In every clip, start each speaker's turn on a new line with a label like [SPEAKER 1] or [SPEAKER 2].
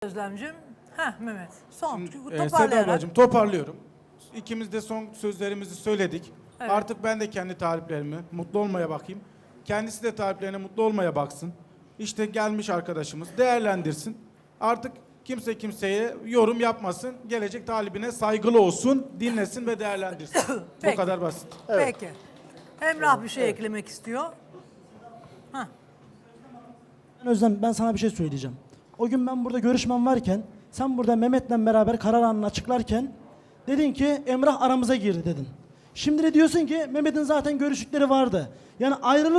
[SPEAKER 1] Özlemciğim. Mehmet. Son.
[SPEAKER 2] Seda
[SPEAKER 1] Toparlayarak.
[SPEAKER 2] ablacığım toparlıyorum. İkimiz de son sözlerimizi söyledik.
[SPEAKER 1] Evet.
[SPEAKER 2] Artık ben de kendi taliplerime mutlu olmaya bakayım. Kendisi de taliplerine mutlu olmaya baksın. İşte gelmiş arkadaşımız değerlendirsin. Artık kimse kimseye yorum yapmasın. Gelecek talibine saygılı olsun, dinlesin ve değerlendirsin.
[SPEAKER 1] Peki.
[SPEAKER 2] Bu kadar basit.
[SPEAKER 1] Peki. Emrah bir şey eklemek istiyor.
[SPEAKER 3] Özlem, ben sana bir şey söyleyeceğim. O gün ben burada görüşmem varken, sen burada Mehmet'le beraber karar anını açıklarken dedin ki Emrah aramıza girdi dedin. Şimdi de diyorsun ki Mehmet'in zaten görüşükleri vardı. Yani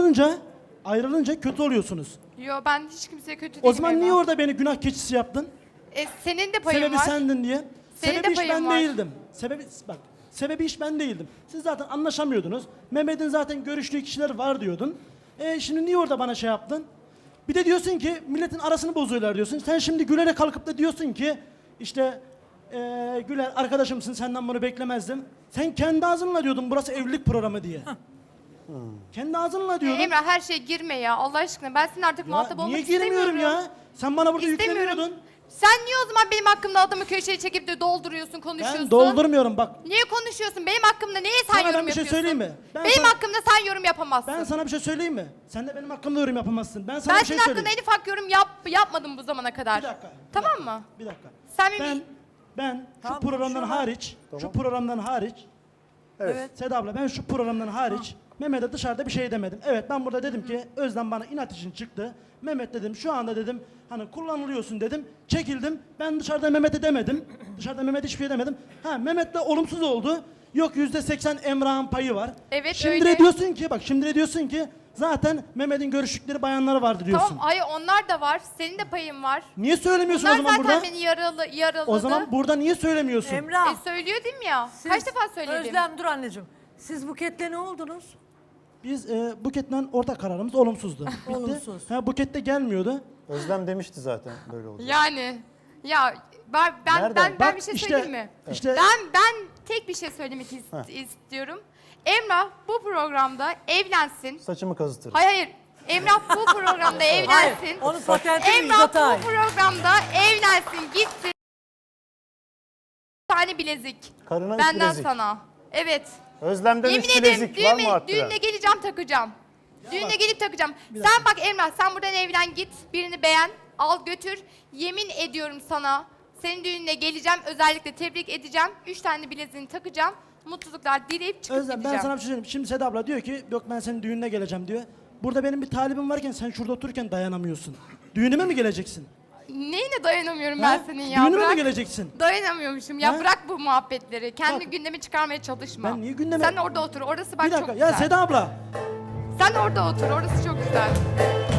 [SPEAKER 3] ayrılınca kötü oluyorsunuz.
[SPEAKER 4] Yo, ben hiç kimseye kötü değilim.
[SPEAKER 3] O zaman niye
[SPEAKER 4] Emrah.
[SPEAKER 3] orada beni günah keçisi yaptın?
[SPEAKER 4] Senin de payın
[SPEAKER 3] Sebebi
[SPEAKER 4] var.
[SPEAKER 3] sendin diye.
[SPEAKER 4] Senin
[SPEAKER 3] Sebebi
[SPEAKER 4] de
[SPEAKER 3] iş
[SPEAKER 4] payın
[SPEAKER 3] ben
[SPEAKER 4] var.
[SPEAKER 3] değildim. Sebebi iş ben değildim. Siz zaten anlaşamıyordunuz. Mehmet'in zaten görüştüğü kişiler var diyordun. Şimdi niye orada bana şey yaptın? Bir de diyorsun ki milletin arasını bozuyorlar diyorsun. Sen şimdi Güler'e kalkıp da diyorsun ki işte Güler arkadaşımsın, senden bunu beklemezdim. Sen kendi ağzınla diyordun burası evlilik programı diye. Kendi ağzınla diyordun.
[SPEAKER 4] Emrah, her şeye girme ya Allah aşkına. Ben senin artık muhatap olmak
[SPEAKER 3] niye
[SPEAKER 4] istemiyorum.
[SPEAKER 3] girmiyorum ya? Sen bana burada
[SPEAKER 4] İstemiyorum.
[SPEAKER 3] yükleniyordun.
[SPEAKER 4] Sen niye o zaman benim hakkımda adamı köşeye çekip de dolduruyorsun, konuşuyorsun?
[SPEAKER 3] Ben doldurmuyorum bak.
[SPEAKER 4] Niye konuşuyorsun? Benim hakkımda niye sen
[SPEAKER 3] Sana
[SPEAKER 4] yorum
[SPEAKER 3] ben bir şey
[SPEAKER 4] yapıyorsun?
[SPEAKER 3] söyleyeyim mi? Ben
[SPEAKER 4] Benim
[SPEAKER 3] sana-
[SPEAKER 4] hakkımda sen yorum yapamazsın.
[SPEAKER 3] Ben sana bir şey söyleyeyim mi? Sen de benim hakkımda yorum yapamazsın. Ben sana
[SPEAKER 4] Ben
[SPEAKER 3] bir şey
[SPEAKER 4] senin hakkında
[SPEAKER 3] söyleyeyim.
[SPEAKER 4] en ufak yorum yapmadım bu zamana kadar.
[SPEAKER 3] Bir dakika.
[SPEAKER 4] Tamam mı?
[SPEAKER 3] Bir dakika.
[SPEAKER 4] Sen benim...
[SPEAKER 3] Ben şu
[SPEAKER 1] Tamam,
[SPEAKER 3] programdan
[SPEAKER 1] konuşuyorlar.
[SPEAKER 3] hariç, şu programdan hariç,
[SPEAKER 1] Evet.
[SPEAKER 3] Seda abla ben şu programdan hariç Mehmet'e dışarıda bir şey demedim. Evet ben burada dedim ki Özlem bana inat için çıktı. Mehmet dedim şu anda dedim hani kullanılıyorsun dedim. Çekildim. Ben dışarıda Mehmet'e demedim. Dışarıda Mehmet'e hiçbir şey demedim. Mehmet'le olumsuz oldu. Yok %80 Emrah'ın payı var.
[SPEAKER 4] Evet,
[SPEAKER 3] şimdi
[SPEAKER 4] öyle.
[SPEAKER 3] de diyorsun ki bak şimdi de diyorsun ki zaten Mehmet'in görüştükleri bayanları vardı diyorsun.
[SPEAKER 4] Tamam, hayır onlar da var. Senin de payın var.
[SPEAKER 3] Niye söylemiyorsun
[SPEAKER 4] Bunlar
[SPEAKER 3] o zaman
[SPEAKER 4] zaten
[SPEAKER 3] burada?
[SPEAKER 4] beni yaraladı.
[SPEAKER 3] O zaman burada niye söylemiyorsun?
[SPEAKER 1] Emrah.
[SPEAKER 4] Söylüyor değil mi ya?
[SPEAKER 1] siz-
[SPEAKER 4] Kaç defa söyledim?
[SPEAKER 1] Özlem dur anneciğim. Siz Buket'le ne oldunuz?
[SPEAKER 3] Biz Buket'le ortak kararımız olumsuzdu. Bitti.
[SPEAKER 1] Olumsuz.
[SPEAKER 3] Buket de gelmiyordu.
[SPEAKER 5] Özlem demişti zaten böyle olacak.
[SPEAKER 4] Yani ya ben
[SPEAKER 5] Nereden?
[SPEAKER 4] ben bir şey söyleyeyim mi?
[SPEAKER 3] İşte
[SPEAKER 4] Ben tek bir şey söylemek istiyorum. Emrah bu programda evlensin.
[SPEAKER 5] Saçımı kazıtırım.
[SPEAKER 4] Hayır. Emrah bu programda evlensin.
[SPEAKER 1] Onun patentini
[SPEAKER 4] Emrah
[SPEAKER 1] İzzet Ay.
[SPEAKER 4] bu programda evlensin, gitsin. Bir tane bilezik.
[SPEAKER 5] Karına üç
[SPEAKER 4] Benden
[SPEAKER 5] bilezik.
[SPEAKER 4] sana. Evet.
[SPEAKER 5] Özlem'den
[SPEAKER 4] Yemin
[SPEAKER 5] 3
[SPEAKER 4] ederim
[SPEAKER 5] bilezik var mı arttıran?
[SPEAKER 4] düğüne geleceğim takacağım. Düğüne gelip takacağım. Sen bak Emrah, sen buradan evlen git. Birini beğen, al götür. Yemin ediyorum sana. Senin düğününe geleceğim. Özellikle tebrik edeceğim. 3 tane bileziğini takacağım. Mutluluklar dileyip çıkıp
[SPEAKER 3] Özlem ben
[SPEAKER 4] gideceğim.
[SPEAKER 3] sana bir şey söyleyeyim. Şimdi Seda abla diyor ki yok ben senin düğününe geleceğim diyor. Burada benim bir talibim varken sen şurada otururken dayanamıyorsun. Düğünüme mi geleceksin?
[SPEAKER 4] Neyine dayanamıyorum
[SPEAKER 3] Ha?
[SPEAKER 4] ben senin ya?
[SPEAKER 3] Düğünüme mi
[SPEAKER 4] Bırak.
[SPEAKER 3] geleceksin?
[SPEAKER 4] Dayanamıyormuşum ya,
[SPEAKER 3] Ha?
[SPEAKER 4] bırak bu muhabbetleri. Kendi
[SPEAKER 3] Bak.
[SPEAKER 4] gündeme çıkarmaya çalışma.
[SPEAKER 3] Ben niye gündeme-
[SPEAKER 4] Sen orada otur, orası bak
[SPEAKER 3] Bir
[SPEAKER 4] çok
[SPEAKER 3] dakika
[SPEAKER 4] güzel.
[SPEAKER 3] ya Seda abla.
[SPEAKER 4] Sen orada otur, orası çok güzel.